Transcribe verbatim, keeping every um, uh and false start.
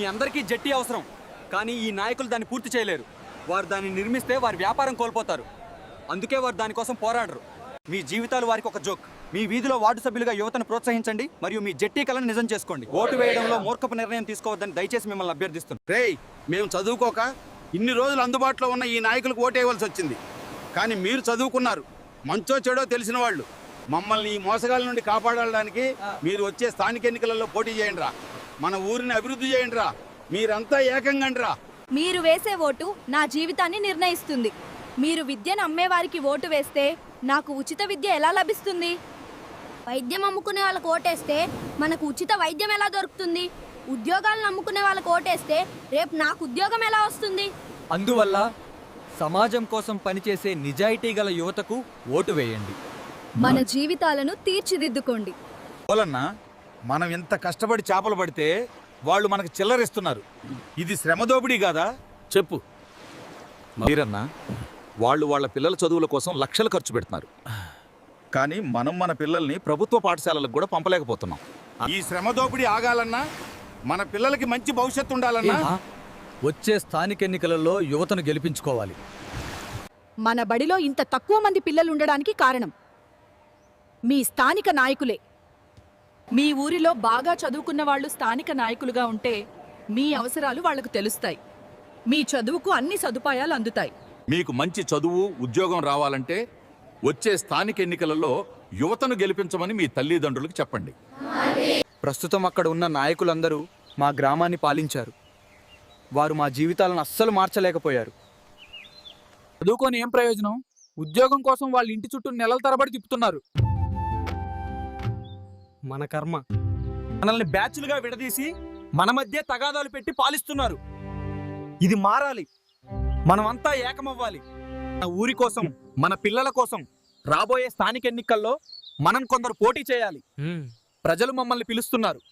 మీ అందరికీ జట్టి అవసరం, కానీ ఈ నాయకులు దాన్ని పూర్తి చేయలేరు. వారు దాన్ని నిర్మిస్తే వారి వ్యాపారం కోల్పోతారు. అందుకే వారు దానికోసం పోరాడరు. మీ జీవితాలు వారికి ఒక జోక్. మీ వీధిలో వార్డు సభ్యులుగా యువతను ప్రోత్సహించండి మరియు మీ జట్టి కలను నిజం చేసుకోండి. ఓటు వేయడంలో మూర్ఖపు నిర్ణయం తీసుకోవద్దని దయచేసి మిమ్మల్ని అభ్యర్థిస్తున్నాను. రేయ్, మేము చదువుకోక ఇన్ని రోజులు అందుబాటులో ఉన్న ఈ నాయకులకు ఓటేయవలసి వచ్చింది. కానీ మీరు చదువుకున్నారు, మంచో చెడో తెలిసిన వాళ్ళు. మమ్మల్ని ఈ మోసగాల నుండి కాపాడడానికి మీరు వచ్చే స్థానిక ఎన్నికలలో పోటీ చేయండి రా. మన ఊరిని అభివృద్ధి చేయండి రా. మీరంతా ఏకంగండి రా. మీరు వేసే ఓటు నా జీవితాన్ని నిర్ణయిస్తుంది. మీరు విద్యను అమ్మేవారికి ఓటు వేస్తే నాకు ఉచిత విద్య ఎలా లభిస్తుంది? వైద్యం అమ్ముకునే వాళ్ళకి ఓటేస్తే మనకు ఉచిత వైద్యం ఎలా దొరుకుతుంది? ఉద్యోగాలను అమ్ముకునే వాళ్ళకి ఓటేస్తే రేపు నాకు ఉద్యోగం ఎలా వస్తుంది? అందువల్ల సమాజం కోసం పనిచేసే నిజాయితీ గల యువతకు ఓటు వేయండి. మన జీవితాలను తీర్చిదిద్దుకోండి. పోలన్నా, మనం ఎంత కష్టపడి చేపలు పడితే వాళ్ళు మనకు చిల్లరిస్తున్నారు. ఇది శ్రమదోపిడీ కాదా? చెప్పు మీరన్నా. వాళ్ళు వాళ్ళ పిల్లల చదువుల కోసం లక్షలు ఖర్చు పెడుతున్నారు, కానీ మనం మన పిల్లల్ని ప్రభుత్వ పాఠశాలలకు కూడా పంపలేకపోతున్నాం. ఈ శ్రమదోపిడీ ఆగాలన్నా, మన పిల్లలకి మంచి భవిష్యత్తు ఉండాలన్నా వచ్చే స్థానిక ఎన్నికలలో యువతను గెలిపించుకోవాలి. మన బడిలో ఇంత తక్కువ మంది పిల్లలు ఉండడానికి కారణం మీ స్థానిక నాయకులే. మీ ఊరిలో బాగా చదువుకున్న వాళ్ళు స్థానిక నాయకులుగా ఉంటే మీ అవసరాలు వాళ్లకు తెలుస్తాయి. మీ చదువుకు అన్ని సదుపాయాలు అందుతాయి. మీకు మంచి చదువు, ఉద్యోగం రావాలంటే వచ్చే స్థానిక ఎన్నికలలో యువతను గెలిపించమని మీ తల్లిదండ్రులకు చెప్పండి. ప్రస్తుతం అక్కడ ఉన్న నాయకులందరూ మా గ్రామాన్ని పాలించారు. వారు మా జీవితాలను అస్సలు మార్చలేకపోయారు. చదువుకొని ఏం ప్రయోజనం? ఉద్యోగం కోసం వాళ్ళ ఇంటి చుట్టూ నెలల తరబడి తిప్పుతున్నారు. మన కర్మ. మనల్ని బ్యాచ్లుగా విడదీసి మన మధ్య తగాదాలు పెట్టి పాలిస్తున్నారు. ఇది మారాలి. మనమంతా ఏకమవ్వాలి. మన ఊరి కోసం, మన పిల్లల కోసం రాబోయే స్థానిక ఎన్నికల్లో మనం కొందరు పోటీ చేయాలి. ప్రజలు మమ్మల్ని పిలుస్తున్నారు.